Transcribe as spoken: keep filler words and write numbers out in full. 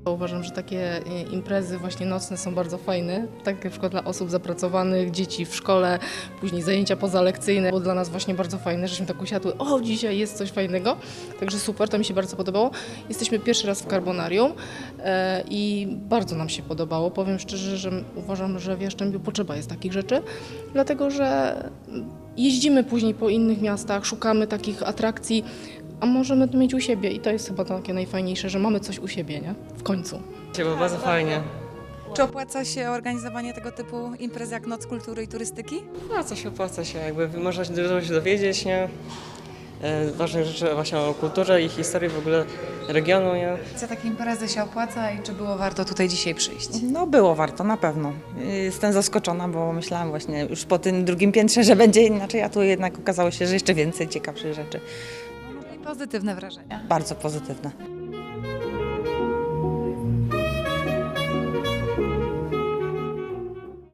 Uważam, że takie imprezy właśnie nocne są bardzo fajne, tak na przykład dla osób zapracowanych, dzieci w szkole, później zajęcia pozalekcyjne. Było dla nas właśnie bardzo fajne, żeśmy tak usiadły, o dzisiaj jest coś fajnego, także super, to mi się bardzo podobało. Jesteśmy pierwszy raz w Carbonarium e, i bardzo nam się podobało. Powiem szczerze, że uważam, że w Jastrzębiu potrzeba jest takich rzeczy, dlatego że jeździmy później po innych miastach, szukamy takich atrakcji, a możemy to mieć u siebie i to jest chyba takie najfajniejsze, że mamy coś u siebie, nie? W końcu. Było bardzo fajnie. Czy opłaca się organizowanie tego typu imprez jak Noc Kultury i Turystyki? Opłaca się, opłaca się, jakby można się dużo się dowiedzieć, nie? E, Ważnych rzeczy właśnie o kulturze i historii w ogóle regionu, nie? Co takie imprezy się opłaca i czy było warto tutaj dzisiaj przyjść? No było warto, na pewno. Jestem zaskoczona, bo myślałam właśnie już po tym drugim piętrze, że będzie inaczej, a tu jednak okazało się, że jeszcze więcej ciekawszych rzeczy. I pozytywne wrażenia. Bardzo pozytywne.